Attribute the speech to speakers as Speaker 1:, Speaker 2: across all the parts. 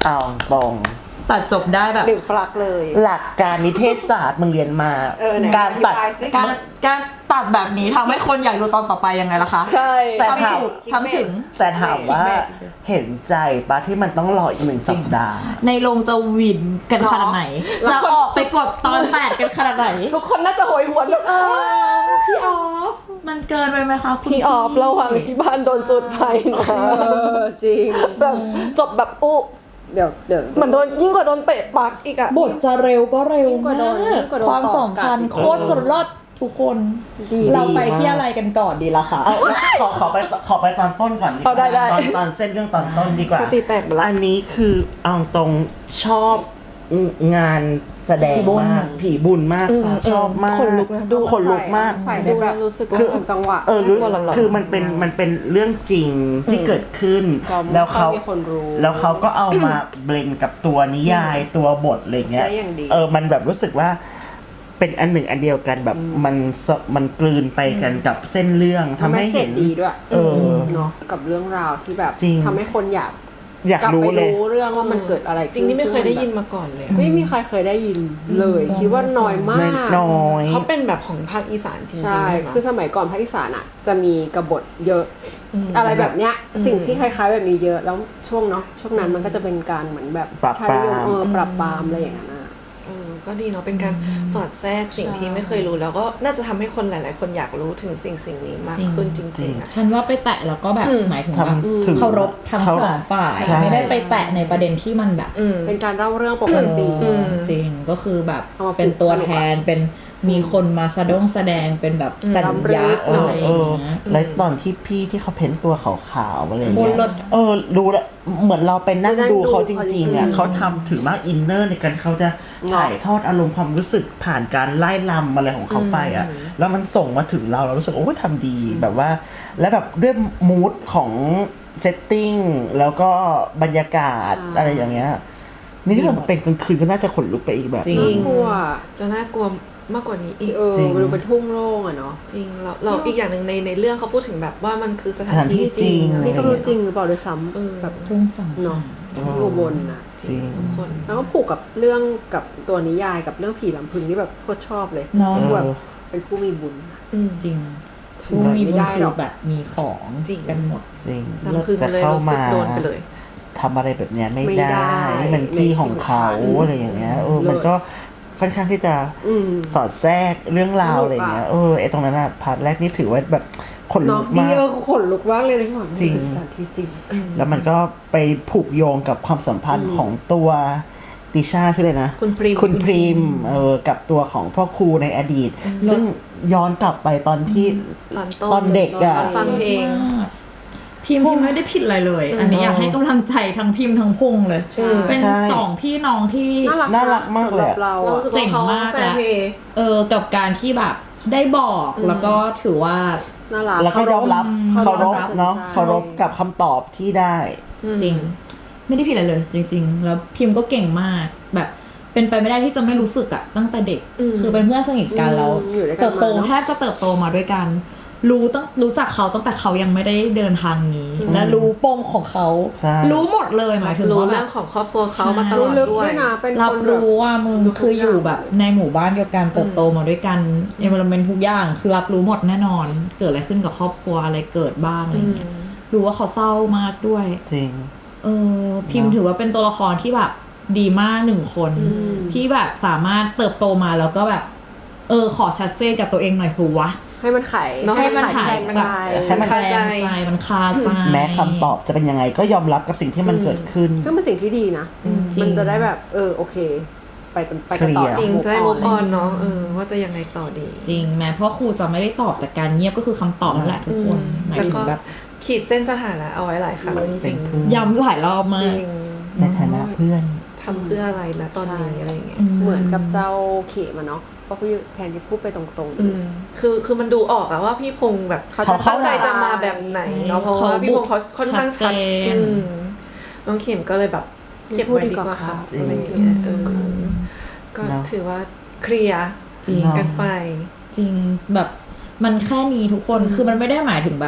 Speaker 1: เอาตรง
Speaker 2: ตัดจบได้แบบ
Speaker 3: หนึ่งปลักเลย
Speaker 1: หลักการนิเทศศาสตร์มึงเรียนมาการตัด
Speaker 2: การตัดแบบนี้ทำให้คนอยากดูตอนต่อไปยังไงล่ะคะ
Speaker 3: ใช่
Speaker 2: ทำถึง
Speaker 1: แต่ถามว่าเห็นใจปะที่มันต้องรออีก1 สัปดาห์
Speaker 2: ในโรงจะวินกันขนาดไหนจะออกไปกดตอน8กันขนาดไหน
Speaker 3: ทุกคนน่าจะโหยหวน
Speaker 2: พี่ออฟมันเกินไปไหมคะ
Speaker 3: พี่ออฟระหว่างที่บ้านโดนจุดไฟนะจริงแบบจบแบบอุ๊เดี๋ยวเหมือนโดนยิ่งกว่าโดนเตะปักอีกอะ
Speaker 2: บทจะเร็วก็เร็วมากความสัมพันธ์โคตรสุดยอดทุกคนเราไปที่อะไรกันก่อนดีล่ะคะ
Speaker 1: ขอไปตอนต้นก่อนดีกว่าตอนเส้นเรื่องตอนต้นดีกว่าอันนี้คือเอาตรงชอบงานแสดงมากผีบุญมากชอบมากดูขนลุกมาก
Speaker 3: ใส่ได้แบบคือจังหวะ
Speaker 1: คือมันเป็นเรื่องจริงที่เกิดขึ้นแล้วเขาก็เอามาเบลนกับตัวนิยายตัวบทอะไรเงี้ยมันแบบรู้สึกว่าเป็นอันหนึ่งอันเดียวกันแบบมันกลืนไปกันกับเส้นเรื่องทำให้เห็น
Speaker 3: ดีด้วยเนาะกับเรื่องราวที่แบบทำให้คนอยาก
Speaker 1: รู้เลย
Speaker 3: เรื่องว่ามันเกิดอะไร
Speaker 4: จริงนี่ไม่เคยได้ยินมาก่อนเลย
Speaker 3: ไม่มีใครเคยได้ยินเลยคิดว่าน้อยมาก
Speaker 4: เขาเป็นแบบของภาคอีสานจริงๆ
Speaker 3: ใช่คือสมัยก่อนภาคอีสานอ่ะจะมีกบฏเยอะอะไรแบบเนี้ยสิ่งที่คล้ายๆแบบนี้เยอะแล้วช่วงนั้นมันก็จะเป็นการเหมือนแบบ
Speaker 1: ปราบป
Speaker 3: รามอะไรอย่างเงี้ย
Speaker 4: ก็ดีเนาะเป็นการสอดแทรกสิ่งที่ไม่เคยรู้แล้วก็น่าจะทำให้คนหลายๆคนอยากรู้ถึงสิ่งนี้มากขึ้นจริงๆ
Speaker 2: ฉันว่าไปแตะแล้วก็แบบหมายถึงแบบเคารพทั้งสองฝ่ายไม่ได้ไปแตะในประเด็นที่มันแบบ
Speaker 3: เป็นการเล่าเรื่องปกติ
Speaker 2: จริงก็คือแบบเป็นตัวแทนเป็นมีคนมาแสดงเป็นแบบสัญญาอะไร
Speaker 1: แล้วตอนที่พี่ที่เขาเพ้นตัวขาวๆอะไรอย่างเงี้ยรู้แล้วเหมือนเราไปนั่งดูเขาจริงๆอ่ะเขาทำถือมากอินเนอร์ในการเขาจะถ่ายทอดอารมณ์ความรู้สึกผ่านการไล่ลำอะไรของเขาไปอ่ะแล้วมันส่งมาถึงเรารู้สึกโอ้ยทำดีแบบว่าและแบบด้วยมูดของเซตติ้งแล้วก็บรรยากาศอะไรอย่างเงี้ยนี่ถ้ามันเป็นกลางคืนก็น่าจะขนลุกไปอีกแบบ
Speaker 4: จริงจะน่ากลัวมากกว่านี้อีก
Speaker 3: มันดูเป็นทุ่งโล่งอะเนาะ
Speaker 4: จริงเราอีกอย่างหนึ่งในเรื่องเขาพูดถึงแบบว่ามันคือสถานที่จริง
Speaker 3: นี่ก็รู้จริงหรือเปล่าด้วยซ้ำแบบ
Speaker 2: ทุ่งสัง
Speaker 3: เนาะที่อุบลนะ
Speaker 4: จริงทุกคน
Speaker 3: แล้วก็ผูกกับเรื่องกับตัวนิยายกับเรื่องผีลำพึงที่แบบโคตรชอบเลยแบบเป็นผู้มีบุญ
Speaker 2: จริงผู้มีบุญคือแบบมีของกันหมด
Speaker 1: จริง
Speaker 4: ลำพึงเลยรู้สึกโดนไปเลย
Speaker 1: ทำอะไรแบบเนี้ยไม่ได้มันที่ของเขาอะไรอย่างเงี้ยมันก็ค่อนข้างที่จะสอดแทรกเรื่องราวอะไรเงี้ยไอ้ตรงนั้นอะพาร์ทแรกนี่ถือว่าแบบขนลุกมาก
Speaker 3: ขนลุกมากเลยจริงสถานที่จริง
Speaker 1: แล้วมันก็ไปผูกโยงกับความสัมพันธ์ของตัวติช่าใช่เลยนะคุณพรีมกับตัวของพ่อครูในอดีตซึ่งย้อนกลับไปตอนที่ตอนเด็กอะ
Speaker 4: ฟังเพลง
Speaker 2: พิมไม่ได้ผิดอะไรเลยอันนี้อยากให้กำลังใจทั้งพิมทั้งพงเลยเป็น2พี่น้องที่
Speaker 1: น่ารักมากเลย
Speaker 4: เรา
Speaker 2: เจ๋งมากแล้วกับการที่แบบได้บอกแล้วก็ถือว่า
Speaker 1: แล้วก็ยอมรับเคารพเนาะเคารพกับคำตอบที่ได้
Speaker 2: จริงไม่ได้ผิดอะไรเลยจริงๆแล้วพิมก็เก่งมากแบบเป็นไปไม่ได้ที่จะไม่รู้สึกอะตั้งแต่เด็กคือเป็นเพื่อนสนิทกันแล้วเติบโตแทบจะเติบโตมาด้วยกันรู้จักเขาตั้งแต่เขายังไม่ได้เดินทางนี้และรู้ปมของเขารู้หมดเลยหมายถึงว่า
Speaker 4: เรื่องของครอบครัวเขามาตลอดด้วย
Speaker 2: รับรู้ว่ามึงคืออยู่แบบในหมู่บ้านเดียวกันเติบโตมาด้วยกันenvironmentทุกอย่างคือรับรู้หมดแน่นอนเกิดอะไรขึ้นกับครอบครัวอะไรเกิดบ้างอะไรเงี้ยรู้ว่าเขาเศร้ามากด้วย
Speaker 1: จริง
Speaker 2: พิมพ์ถือว่าเป็นตัวละครที่แบบดีมาก1คนที่แบบสามารถเติบโตมาแล้วก็แบบขอชัดเจนกับตัวเองหน่อยคือวะ
Speaker 3: ให้มันไข
Speaker 2: ให้มันไข
Speaker 1: ให้มัน
Speaker 2: คาใจมันคาใจ
Speaker 1: แม้คำตอบจะเป็นยังไงก็ยอมรับกับสิ่งที่มันเกิดขึ้น
Speaker 3: ซึ่งเป็นสิ่งที่ดีนะมันจะได้แบบโอเคไปกันต่อ
Speaker 4: จริงจะได้ move on เนาะว่าจะยังไงต่อดี
Speaker 2: จริงแม้เพราะครูจะไม่ได้ตอบจากการเงียบก็คือคำตอบนั่นแหละทุกคนหมายถึงแบบ
Speaker 4: ขีดเส้นสถานะเอาไว้หลายครั้งจริง
Speaker 2: ย้ำหลายรอบมาก
Speaker 1: ในฐานะเพื่อน
Speaker 4: ทำเพื่ออะไรนะตอนนี้อะไรเงี้ย
Speaker 3: เหมือนกับเจ้าเขมาเนาะเพราะพี่แทนที่พูดไปตรง
Speaker 4: ๆคือมันดูออกอะว่าพี่พงษ์แบบเขาตั้งใจจะมาแบบไหนเนาะเพราะว่าพี่พงษ์เขาค่อนข้างชัดน้องเข็มก็เลยแบบเก็บไว้ดีกว่าค่ะอะไรอย่างเงี้ยก็ถือว่าเคลียร์กันไป
Speaker 2: จริงแบบมันแค่นี้ทุกคนคือมันไม่ได้หมายถึงแบบ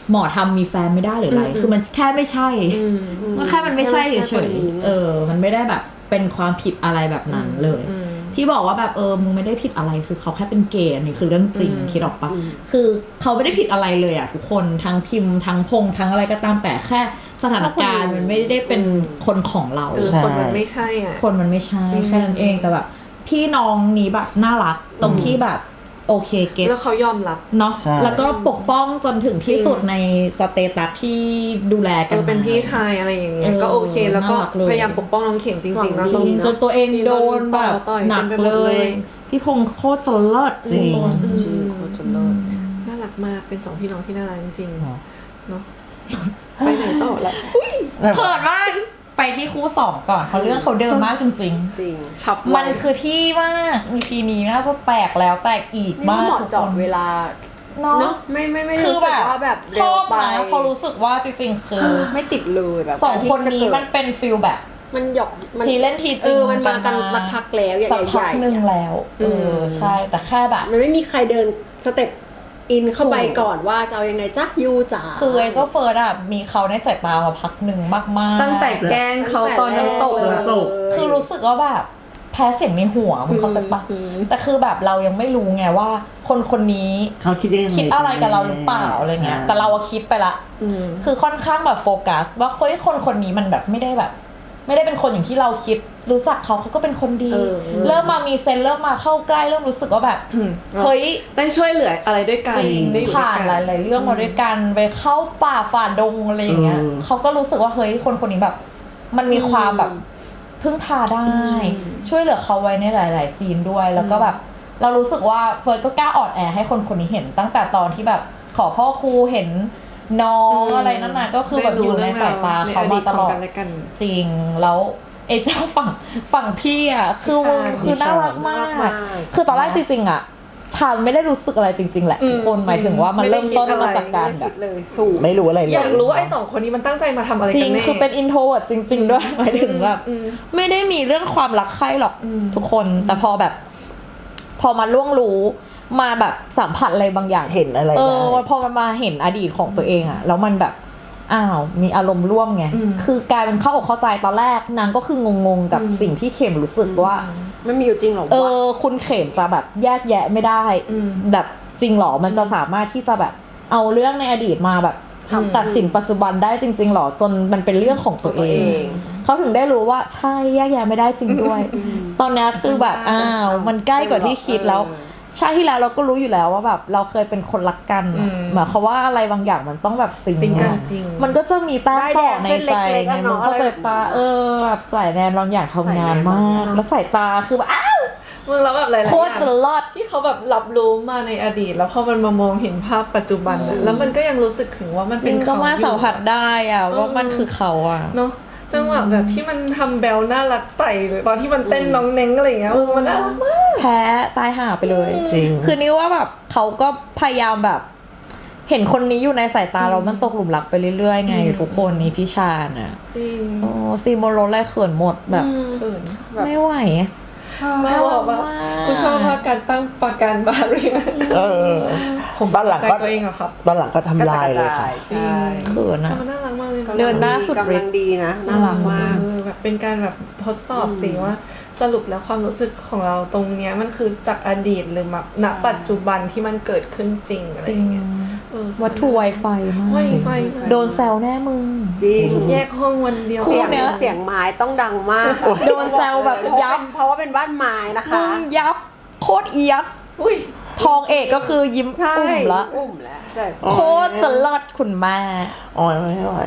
Speaker 2: หมอทำมีแฟนไม่ได้หรืออะไรคือมันแค่ไม่ใช่มันแค่มันไม่ใช่เฉยๆมันไม่ได้แบบเป็นความผิดอะไรแบบนั้นเลยที่บอกว่าแบบมึงไม่ได้ผิดอะไรคือเขาแค่เป็นเกย์นี่คือเรื่องจริงคิดออกปะคือเขาไม่ได้ผิดอะไรเลยอ่ะทุกคนทั้งพิมพ์ทั้งพงทั้งอะไรก็ตามแต่แค่สถานการณ์มันไม่ได้เป็นคนของเรา
Speaker 4: คนมันไม่ใช่อ่ะ
Speaker 2: คนมันไม่ใช่แค่นั้นเองแต่แบบพี่น้องนี้แบบน่ารักตรงที่แบบโอเคเก็ต
Speaker 4: แล้วเขายอมรับ
Speaker 2: เนาะแล้วก็ปกป้องจนถึงที่สุดในสเตตัสที่ดูแลกัน
Speaker 4: เป็นพี่ชายอะไรอย่างเงี้ยก็โอเคแล้วก็พยายามปกป้องน้องเข็มจริงๆนะ
Speaker 2: จนตัวเองโดนแบบหนักเลยพี่พงษ์โคตรจะเลิศ
Speaker 1: จริง
Speaker 3: โคตรจะเลิศ
Speaker 4: น่ารักมากเป็น2พี่น้องที่น่ารักจริงเนาะไปไหนต่อละ
Speaker 2: เขินมากไปที่คู่2ก่อนเขาเรื่องเขาเดิมมากจริง
Speaker 3: จริง
Speaker 2: มันคือที่มาก EP นี้น่าจะแตกแล้วแตกอีกมาก
Speaker 3: เหมาะเจาะเวลาเนาะไม่รู้สึกว่าแบบ
Speaker 2: ชอบนะเพราะรู้สึกว่าจริงๆคือ
Speaker 3: ไม่ติดเลยแบบ
Speaker 2: 2คนนี้มันเป็นฟิลแบบ
Speaker 3: มันหยอก
Speaker 2: ทีเล่นทีจริง
Speaker 3: มันมากันสักพักแล้วใหญ่ๆ
Speaker 2: สักพักนึงแล้วใช่แต่แค่แบบ
Speaker 3: มันไม่มีใครเดินสเต็ปอินเข้าไปก่อนว่าจะเอายังไงจ๊ะยูจ๋า
Speaker 2: คือไอ้เจ้าเฟิร์สอะมีเขาในสายตามาพักหนึ่งมากๆ
Speaker 4: ตั้งแต่แกล้งเขาตอนน้ำตก
Speaker 2: คือรู้สึกว่าแบบแพ้เสียงในหัวมึงเข้าใจปะแต่คือแบบเรายังไม่รู้ไงว่าคนนี้
Speaker 1: เขาคิด
Speaker 2: อะไรกับเราหรือเปล่าอะไรเงี้ยแต่เราคิดไปละคือค่อนข้างแบบโฟกัสว่าคนนี้มันแบบไม่ได้เป็นคนอย่างที่เราคิดรู้จักเขาก็เป็นคนดีเริ่มมามีเซนเริ่มมาเข้าใกล้เริ่มรู้สึกว่าแบบเฮ้ย
Speaker 4: ได้ช่วยเหลืออะไรด้วยกัน
Speaker 2: ได้ผ่านหลายๆเรื่องมาด้วยกันไปเข้าป่าฝ่าดงอะไรอย่างเงี้ยเขาก็รู้สึกว่าเฮ้ยคนนี้แบบมันมีความแบบพึ่งพาได้ช่วยเหลือเขาไว้ในหลายๆซีนด้วยแล้วก็แบบเรารู้สึกว่าเฟิร์สก็กล้าอ่อนแอให้คนนี้เห็นตั้งแต่ตอนที่แบบขอพ่อครูเห็นน้องอะไรนั่นน่ะก็คือแบบอยู่ในสายตาเขามาตลอดจริงแล้วไอ้เจ้าฝั่งพี่อ่ะคือน่ารักมากคือตอนแรกจริงๆอ่ะฉันไม่ได้รู้สึกอะไรจริงๆแหละทุกคนหมายถึงว่ามันเริ่มต้นมาจากการแบบ
Speaker 1: ไม่รู้อะไรเลย
Speaker 4: อยากรู้ว่าไอ้2คนนี้มันตั้งใจมาทำอะไรกันแน่
Speaker 2: จริงคือเป็นอินโทรเวิร์ตจริงๆด้วยหมายถึงแบบไม่ได้มีเรื่องความรักใคร่หรอกทุกคนแต่พอมาล่วงรู้มาแบบสัมผัสอะไรบางอย่าง
Speaker 1: เห็นอะไร
Speaker 2: พอมันมาเห็นอดีตของตัวเองอะแล้วมันแบบมีอารมณ์ร่วมไงคือกลายเป็นเข้าอกเข้าใจตอนแรกนางก็คืองงกับสิ่งที่เข็มรู้สึกว่า
Speaker 3: ไม่มีอยู่จริงหรอ
Speaker 2: คุณเข็มจะแบบแยกแยะไม่ได้แบบจริงหรอมันจะสามารถที่จะแบบเอาเรื่องในอดีตมาแบบตัดสินปัจจุบันได้จริงๆหรอจนมันเป็นเรื่องของตัวเองเขาถึงได้รู้ว่าใช่แยกแยะไม่ได้จริงด้วยตอนนี้คือแบบมันใกล้กว่าที่คิดแล้วชาติที่แล้วเราก็รู้อยู่แล้วว่าแบบเราเคยเป็นคนรักกันหมายความว่าอะไรบางอย่างมันต้องแบบซิงกัน
Speaker 4: จริง
Speaker 2: มันก็จะมีแต้มต่อในใจไงมึงเข้าใจปะแบบสายแนนบางอย่างทำงานมากแล้วสายตาคือแบบ
Speaker 4: มึงแล้วแบบหลายๆอย่างโคตร
Speaker 2: จะลอด
Speaker 4: ที่เขาแบบรับรู้มาในอดีตแล้วพอมันมามองเห็นภาพปัจจุบันแล้วมันก็ยังรู้สึกถึงว่ามันเป็นเขา
Speaker 2: ก็มาสัมผัสได้อะว่ามันคือเขาอะ
Speaker 4: เนาะจังหวะแบบที่มันทำแบลน่ารักใส่หรือตอนที่มันเต้นน้องเน้งอะไรอย่างเงี้ยมันน่ารักมาก
Speaker 2: แพ้ตายห่าไปเลย
Speaker 1: จริง
Speaker 2: คือนี่ว่าแบบเขาก็พยายามแบบเห็นคนนี้อยู่ในสายตาเรามันตกหลุมรักไปเรื่อยๆไงทุกคนนี่พี่ชาญอ่ะ
Speaker 4: จริง
Speaker 2: ซีโมโรอะไรเขินหมดแบบไม่ไหว
Speaker 4: ไม่บอกว่ากูชอบการตั้งประกันบาเรีย
Speaker 1: ผมบ้านหลังก็
Speaker 4: ตัวเองอะครับ
Speaker 1: บ้านหลังก็ทำลายเลยค่ะ
Speaker 3: ใช่
Speaker 2: เขินนะ
Speaker 4: มันน่ารักมากเลย
Speaker 2: เดินหน้าสุด
Speaker 3: กำลังดีนะน่ารักมาก
Speaker 4: แบบเป็นการแบบทดสอบสิว่าสรุปแล้วความรู้สึกของเราตรงเนี้ยมันคือจากอดีตหรือแบบณปัจจุบันที่มันเกิดขึ้นจริงอะไรอย่างเงี้ย
Speaker 2: วัตถุไวไฟมากโดนแซวแน่มึง
Speaker 3: จริง
Speaker 4: แยกห้องวันเดียว
Speaker 3: เสียงไม้ต้องดังมาก
Speaker 2: โดนแซวแบบยับ
Speaker 3: เพราะว่าเป็นบ้านไม้นะคะ
Speaker 2: มึงยับโคตรเอียดทองเอกก็คือยิ้มอุ่มละโคตรจะเลิศคุณแม่
Speaker 1: อ๋อไม่ไหว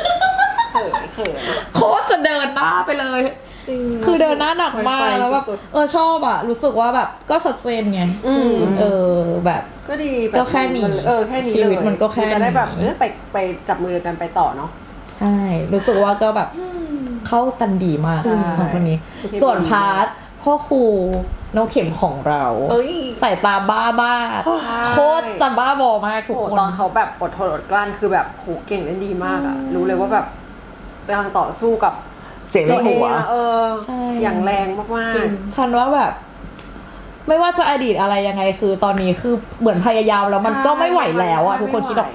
Speaker 2: โคตรจะเดินหน้าไปเลยคือเดินหน้าหนักมากแล้วแบบชอบอ่ะรู้สึกว่าแบบก็ชัดเจนไงแบบ
Speaker 3: ก็ดี
Speaker 2: ก็แค่นี้
Speaker 3: แค่นี้
Speaker 2: ชีวิตมันก็แค่
Speaker 3: จะได้แบบไปจับมือกันไปต่อเนาะ
Speaker 2: ใช่รู้สึกว่าก็แบบเข้ากันดีมากคนนี้ส่วนพาร์ทพ่อครูน้องเข็มของเราใส่ตาบ้าโคตรจะบ้าบอมากทุกคน
Speaker 3: ตอนเขาแบบอดทนอดกลั้นคือแบบโหเก่งเล่นดีมากอ่ะรู้เลยว่าแบบกำลังต่อสู้กับ
Speaker 1: เสียงในหัว
Speaker 3: อย่างแรงมาก
Speaker 2: ๆฉันว่าแบบไม่ว่าจะอดีตอะไรยังไงคือตอนนี้คือเหมือนพยายามแล้วมันก็ไม่ไหวแล้วอะทุกคนคิดออกปะ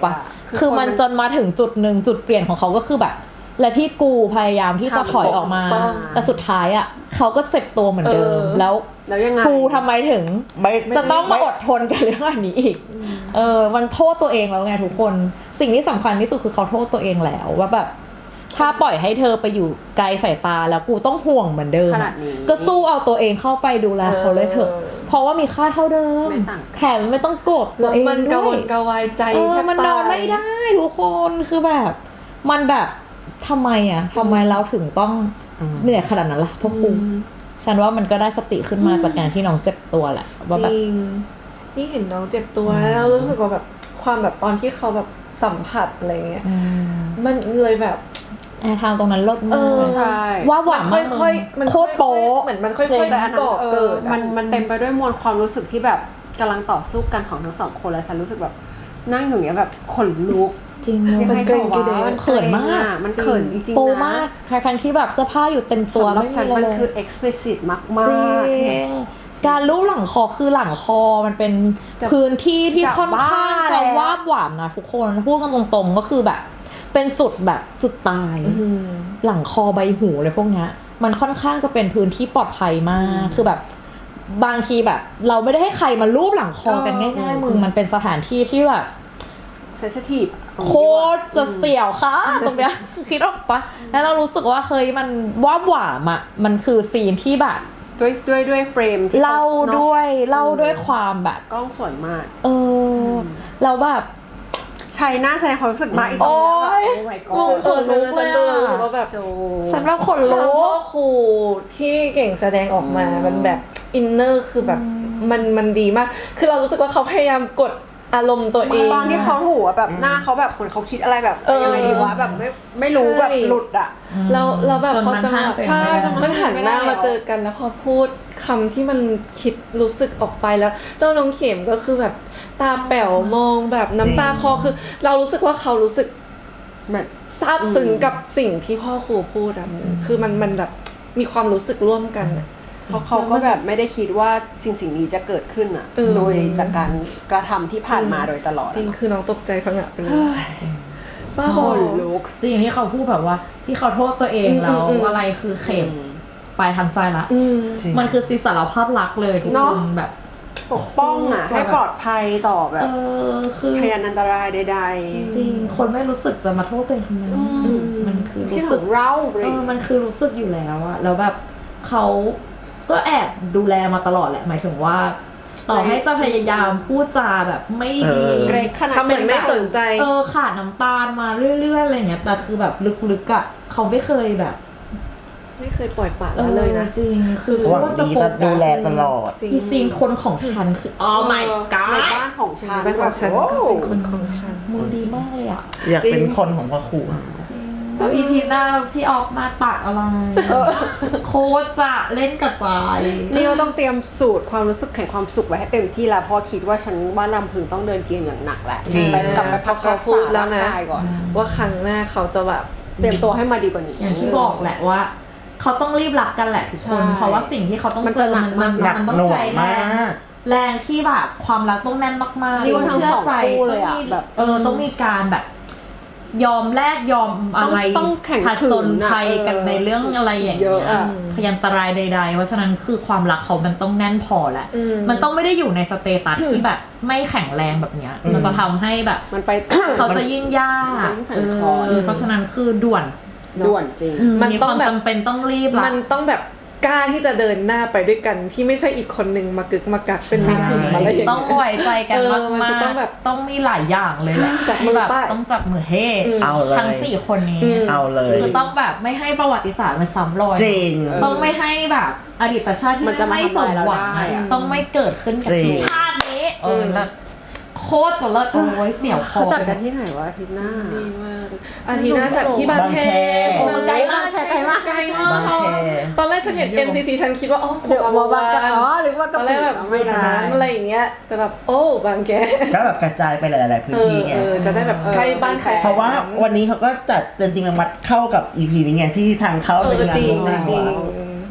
Speaker 2: คือมันจนมาถึงจุดหนึ่งจุดเปลี่ยนของเขาก็คือแบบ และที่กูพยายามที่จะถอยออกมาแต่สุดท้ายอ่ะเขาก็เจ็บตัวเหมือนเดิมแล้ว
Speaker 3: ยังไง
Speaker 2: กูทำไมถึงจะต้องมาอดทนกับเรื่องแบบนี้อีกมันโทษตัวเองแล้วไงทุกคนสิ่งที่สำคัญที่สุดคือเขาโทษตัวเองแล้วว่าแบบถ้าปล่อยให้เธอไปอยู่ไกลสายตาแล้วกูต้องห่วงเหมือนเดิมก็สู้เอาตัวเองเข้าไปดูแลเขาเลยเถอะเพราะว่ามีค่าเท่าเดิมแถมไม่ต้องโกรธตัวเองด้วย
Speaker 4: มันกระวนกระวายใจ
Speaker 2: มันนอนไม่ได้ทุกคนคือแบบมันแบบทำไมเราถึงต้องเหนื่อยขนาดนั้นล่ะพ่อครูฉันว่ามันก็ได้สติขึ้นมาจากการที่น้องเจ็บตัวแหละว่าแบบ
Speaker 4: นี่เห็นน้องเจ็บตัวแล้วรู้สึกว่าแบบความแบบตอนที่เขาแบบสัมผัสอะไรเงี้ยมันเลยแบบ
Speaker 2: ทางตรงนั้นลดมากว่าหวาน
Speaker 4: ค่อยๆมันโคตรโป๊ะเหมือนมันค่อยๆ
Speaker 3: แต่อันนั้นมันเต็มไปด้วยมวลความรู้สึกที่แบบกำลังต่อสู้กันของทั้งสองคนแล้วฉันรู้สึกแบบนั่งอย่างเงี้ยแบบขนลุก
Speaker 2: จริง
Speaker 3: มันเกรงมัน
Speaker 2: เขินมาก
Speaker 3: มันเขินจริงๆนะ
Speaker 2: โปมากทั้งที่แบบเสื้อผ้าอยู่เต็มตัว
Speaker 3: ไม่มีเลยมันคือ explicit มาก
Speaker 2: ๆการลูบหลังคอคือหลังคอมันเป็นพื้นที่ที่ค่อนข้างจะวาบหวามนะทุกคนพูดกันตรงๆก็คือแบบเป็นจุดแบบจุดตายหลังคอใบหูอะไรพวกนี้มันค่อนข้างจะเป็นพื้นที่ปลอดภัยมากคือแบบบางทีแบบเราไม่ได้ให้ใครมาลูบหลังคอกันง่ายๆมึงมันเป็นสถานที่ที่แบบ
Speaker 3: sensitive
Speaker 2: โคตรจะเสี่ยวค่ะตรงเนี้ยคิดออกปะแล้วเรารู้สึกว่าเฮ้ยมันว่าหวามอ่ะมันคือซีนที่แบบ
Speaker 3: ด้วยเฟรมที่
Speaker 2: เล่าด้วยความแบบ
Speaker 3: กล้องสวยมาก
Speaker 2: เราแบบ
Speaker 3: ชัยน่าแสดงความรู้สึกมากอีก
Speaker 2: โอ้ย
Speaker 4: ขนลุกเลยว่าแบบ
Speaker 2: ฉันว่าขนลุก
Speaker 4: พ่อครูที่เก่งแสดงออกมามันแบบอินเนอร์คือแบบมันดีมากคือเรารู้สึกว่าเขาพยายามกดอารมณ์ตัวเอง
Speaker 3: ตอนที่เขาหูแบบหน้าเขาแบบเหมือนเขาคิดอะไรแบบยังไงดีวะแบบไม่รู้แบบหลุดอ่ะ
Speaker 4: เราแบบพอจังหวะ
Speaker 3: ใช่
Speaker 4: มันหันหน้ามาเจอกันแล้วพอพูดคำที่มันคิดรู้สึกออกไปแล้วเจ้าน้องเข็มก็คือแบบตาแป๋วมองแบบน้ำตาคอคือเรารู้สึกว่าเขารู้สึกแบบซาบซึ้งกับสิ่งที่พ่อครูพูดอ่ะคือมันแบบมีความรู้สึกร่วมกันอ่ะ
Speaker 3: เขาก็แบบไม่ได้คิดว่าสิ่งนี้จะเกิดขึ้นอ่ะโดยจากการกระทำที่ผ่านมาโดยตลอด
Speaker 4: จริงคือน้องตกใจพังอ่ะไปเลย
Speaker 2: บ้าบอลุกสิ่งที่เขาพูดแบบว่าที่เขาโทษตัวเองแล้วอะไรคือเข็มไปทางใจละมันคือสิสารภาพรักเลยทุกคนแบบ
Speaker 3: ปกป้องอ่ะให้ปลอดภัยต่อแบบคือพยานอันตรายใด
Speaker 2: ๆจริงคนไม่รู้สึกจะมาโทษตัวเองทำไมมันคือรู้สึกมันคือรู้สึกอยู่แล้วอะแล้วแบบเขาก็แอบดูแลมาตลอดแหละหมายถึงว่าต่อให้จะพยายามพูดจาแบบไม่ดี
Speaker 4: ทำเหมือนไม่สนใจ
Speaker 2: ขาดน้ำตาลมาเรื่อยๆอะไรเงี้ยแต่คือแบบลึกๆอ่ะเขาไม่เคยแบบ
Speaker 4: ไม่เคยปล่อยปละเลยนะ
Speaker 2: จริงคือ
Speaker 1: ว่าจะโฟกัสดูแลตลอด
Speaker 2: ที่ซีนคนของฉันคือmy god
Speaker 3: ในบ้านของฉัน
Speaker 4: บ้านของฉันก็เป็นคนของฉัน
Speaker 2: มือดีมากเลยอ่ะ
Speaker 1: อยากเป็นคนของพ่อครู
Speaker 2: แล้วอีพีหน้าพี่ออกมาตัดอะไรโคตรจะเล่นกับใจ
Speaker 3: นี่เราต้องเตรียมสูตรความรู้สึกแห่งความสุขไว้ให้เต็มที่แล้วพอคิดว่าฉันบ้านลำพึงต้องเดินเกมอย่างหนักแหละไปกลับไปพักรักษา
Speaker 4: แล้วนะว่าครั้งหน้าเขาจะแบบ
Speaker 3: เตรียมตัวให้มาดีกว่านี้
Speaker 2: อย่างที่บอกแหละว่าเขาต้องรีบรักกันแหละทุกคนเพราะว่าสิ่งที่เขาต้องเจอมันต้องใช้แรงที่แบบความรักต้องแน่นมากๆ
Speaker 3: เชื่อใจ
Speaker 2: ต้องมีการแบบยอมแลกยอมอะไรผจญภัยกันในเรื่องอะไรอย่างเงี้ยพยันตรายใดๆเพราะฉะนั้นคือความรักเขามันต้องแน่นพอแหละมันต้องไม่ได้อยู่ในสเตตัสที่แบบไม่แข็งแรงแบบเนี้ยมันจะทำให้แบบเขาจะยิ่งยากเพราะฉะนั้นคือด่วน
Speaker 3: จริง
Speaker 2: มันมีความจำเป็นต้องรีบ
Speaker 4: มันต้องแบบกล้าที่จะเดินหน้าไปด้วยกันที่ไม่ใช่อีกคนนึงมากึกมากักเป็นไม่ถึงอะไรอย่างเงี้ย
Speaker 2: ต้องไว้ใจกันมากๆต้องมีหลายอย่างเลยแหละที่แบบต้องจับมือเฮทั้ง4คนนี้
Speaker 1: เอาเลย
Speaker 2: คือต้องแบบไม่ให้ประวัติศาสตร์มันซ้ำรอย
Speaker 1: จริง
Speaker 2: ต้องไม่ให้แบบอดีตชาติที่ไม่สมหวังต้องไม่เกิดขึ้นกับชาตินี้แล้วโคตรจะเลิศโอ้ยเสียวคอ
Speaker 3: เขาจัดกันที่ไหนวะอาทิตย์หน้า
Speaker 4: ดีมากอาทิตย์หน้าจัดที่บางแค
Speaker 2: มันไกลมาก
Speaker 4: ไกลมากตอนแรกฉันเห็น MCC ฉันคิดว่า
Speaker 3: เดี๋ยวบางแคหรือว่าก
Speaker 4: ะปิแบบไม่ใช่อะไรอย่างเงี้ยแต่แบบโอ้บางแค
Speaker 1: ก็แบบกระจายไปหลายๆพื้นที่ไง
Speaker 4: จะได้แบบใกล้บ้านใคร
Speaker 1: เพราะว่าวันนี้เขาก็จัดเต็มจริงมัดเข้ากับ EP นี้ไงที่ทางเข้าเป็นงานร่วมงาน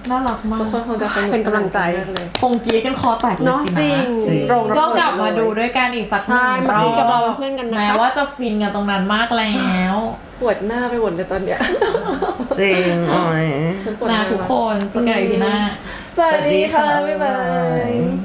Speaker 2: น่ารักมาก
Speaker 4: ทุกคนคงจะสนุก
Speaker 3: เป็นกำลังใจ
Speaker 4: มากเลย
Speaker 2: คงกรี๊ดกันคอแตกเลย
Speaker 3: เนาะ
Speaker 2: สิ
Speaker 3: จริง
Speaker 2: นะ
Speaker 3: โรงระ
Speaker 2: ก็
Speaker 3: เบิด
Speaker 2: กลับมาดูด้วยกันอีกสักหนึ่ง
Speaker 3: ใช่เมื่อกี้กับเราเป็นเพื่อนกันนะคะ
Speaker 2: แม้ว่าจะฟินกันตรงนั้นมากแล้ว
Speaker 4: ปวดหน้าไปหมดเลยตอนเนี้ย
Speaker 1: จริงอ๋อย
Speaker 4: ฉัปวดห
Speaker 2: นะ
Speaker 4: น้า
Speaker 2: ทุกคนเจอกันอีกทีหน้า
Speaker 4: สวัสดีค่ะ บ๊ายบาย